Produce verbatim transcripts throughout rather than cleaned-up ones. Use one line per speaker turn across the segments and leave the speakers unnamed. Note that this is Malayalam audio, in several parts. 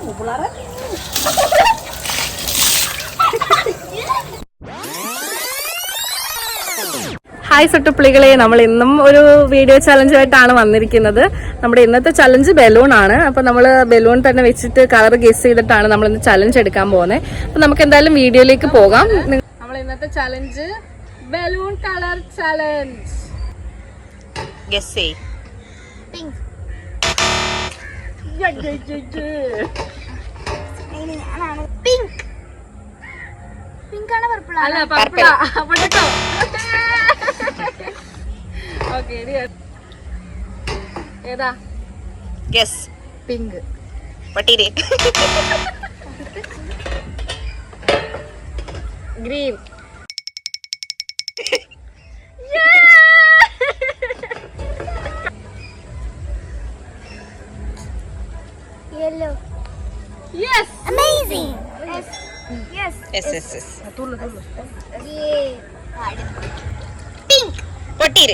ഹായ് സുട്ടുപ്പിളികളെ, നമ്മൾ ഇന്നും ഒരു വീഡിയോ ചലഞ്ചുമായിട്ടാണ് വന്നിരിക്കുന്നത്. നമ്മുടെ ഇന്നത്തെ ചലഞ്ച് ബലൂൺ ആണ്. അപ്പൊ നമ്മൾ ബലൂൺ തന്നെ വെച്ചിട്ട് കളർ ഗസ് ചെയ്തിട്ടാണ് നമ്മൾ ഇന്ന് ചലഞ്ച് എടുക്കാൻ പോകുന്നത്. അപ്പൊ നമുക്ക് എന്തായാലും വീഡിയോയിലേക്ക് പോകാം. നമ്മൾ ഇന്നത്തെ challenge balloon colour challenge.
Guess ചെയ്.
പിങ്ക് പിങ്ക് പിങ്ക് ആണ് പർപ്പിൾ
അല്ല പർപ്പിളാ. പൊട്ടോ ഓക്കേ, ഏതാ?
ഗസ്.
പിങ്ക്.
പട്ടീരെ.
Green.
yellow.
Yes.
Amazing. Yes. Yes.
Yes, yes, yes.
തുള്ളു തുള്ളു.
Yeah. Pink.
പട്ടീരെ.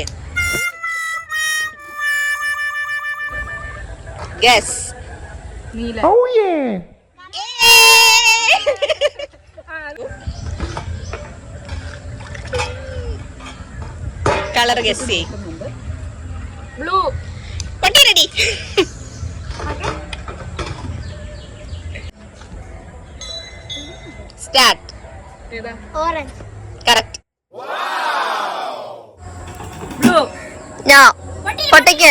ഗസ്.
നീല.
Oh yeah.
കളർ ഗസ് ചെയ്.
ബ്ലൂ.
പട്ടീരടി. സ്റ്റാർട്ട്.
ഏതാ?
Orange.
കറക്റ്റ്.
ബ്ലൂ.
നോ. പൊട്ടിക്ക്.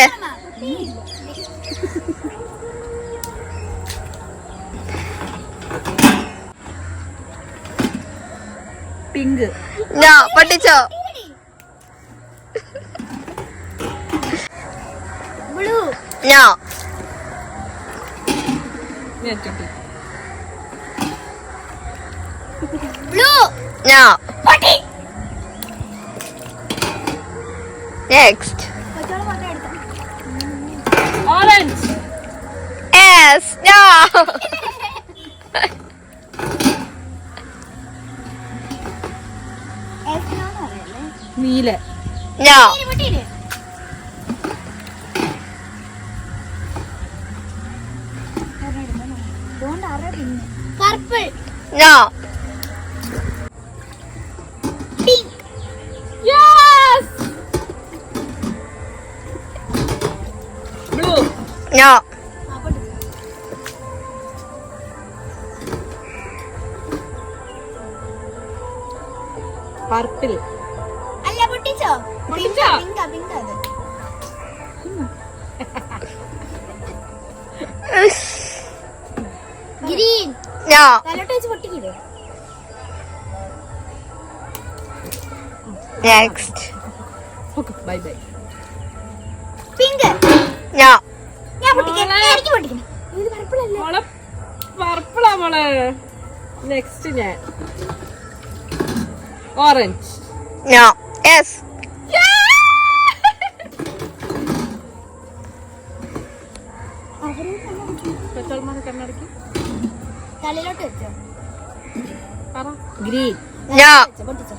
പിങ്ക്.
നോ. പൊട്ടിച്ചോ.
Blue.
No.
Blue.
No.
Potty.
Next.
Orange.
Yes. No.
നീല.
No.
Purple.
No.
Pink.
Yes. Blue.
No.
Purple.
അല്ല പൊട്ടിച്ചോ?
പൊട്ടിച്ചോ?
പിങ്ക് പിങ്ക് അത്. ഗ്രീൻ.
നോ.
തലോട്ട് വെച്ച് പൊട്ടിക്കില്ലേ?
Next.
Okay, bye bye.
Pink.
No.
ഞാൻ പൊട്ടിക്കാം. എനിക്ക് പൊട്ടിക്കണം. ഇത് പർപ്പിൾ അല്ലേ?
മോളെ പർപ്പിളാ മോളെ. നെക്സ്റ്റ് ഞാൻ. ഓറഞ്ച്.
നോ. യെസ്.
കണ്ണടക്കി
തലയിലോട്ട് വെച്ചോ.
പറ. ഗ്രീൻ.
നോ.
പൊട്ടിച്ചോ.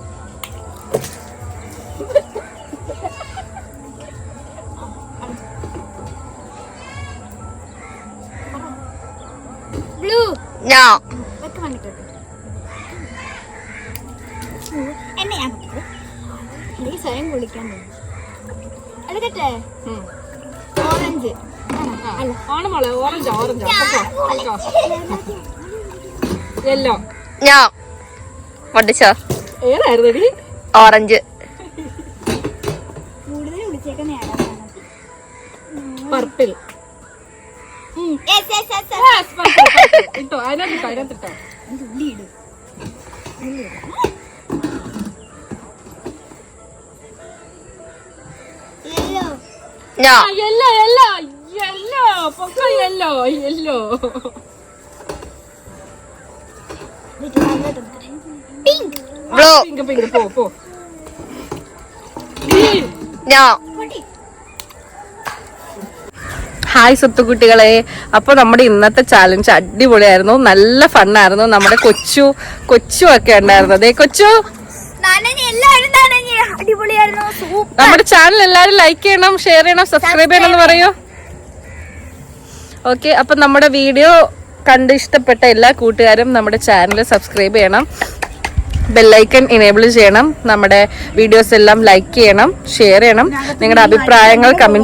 ബ്ലൂ.
നോ.
വെക്ക് വന്നിട്ടോട്ടെ. എന്നെ ഞാൻ പൊട്ടിക്കും. എനിക്ക് സ്വയം കുളിക്കാൻ തോന്നുന്നു. എടുക്കട്ടെ. ഓറഞ്ച്. അല്ല
ആണ് മോളെ. Orange orange yellow.
നോ. പൊട്ടിച്ചോ.
ഏതായിരുന്നു?
ഓറഞ്ച്.
കൂടുതൽ വിളിച്ചേക്കുന്ന
പർപ്പിൾ. ഇട്ടോ അതിനകത്തിട്ടോ അതിനകത്തിട്ടോ.
ഉള്ളി ഇടും. Yellow.
No.
Yellow yellow yellow പൊക്ക yellow yellow.
Pink.
Blue.
Pink pink പോ പോ.
നോ.
പൊട്ടി.
ഹായ് സുത്തുകുട്ടികളെ, അപ്പൊ നമ്മുടെ ഇന്നത്തെ ചാലഞ്ച് അടിപൊളിയായിരുന്നു. നല്ല ഫണ്ണായിരുന്നു. നമ്മുടെ കൊച്ചു കൊച്ചു ഒക്കെ ഉണ്ടായിരുന്നു. അതെ കൊച്ചു, നമ്മുടെ ചാനൽ എല്ലാവരും ലൈക്ക് ചെയ്യണം, ഷെയർ ചെയ്യണം, സബ്സ്ക്രൈബ് ചെയ്യണം എന്ന് പറയൂ. ഓക്കെ, അപ്പൊ നമ്മുടെ വീഡിയോ കണ്ട് ഇഷ്ടപ്പെട്ട എല്ലാ കൂട്ടുകാരും നമ്മുടെ ചാനൽ സബ്സ്ക്രൈബ് ചെയ്യണം, ബെല്ലൈക്കൺ എനേബിൾ ചെയ്യണം, നമ്മുടെ വീഡിയോസ് എല്ലാം ലൈക്ക് ചെയ്യണം, ഷെയർ ചെയ്യണം, നിങ്ങളുടെ അഭിപ്രായങ്ങൾ കമന്റ്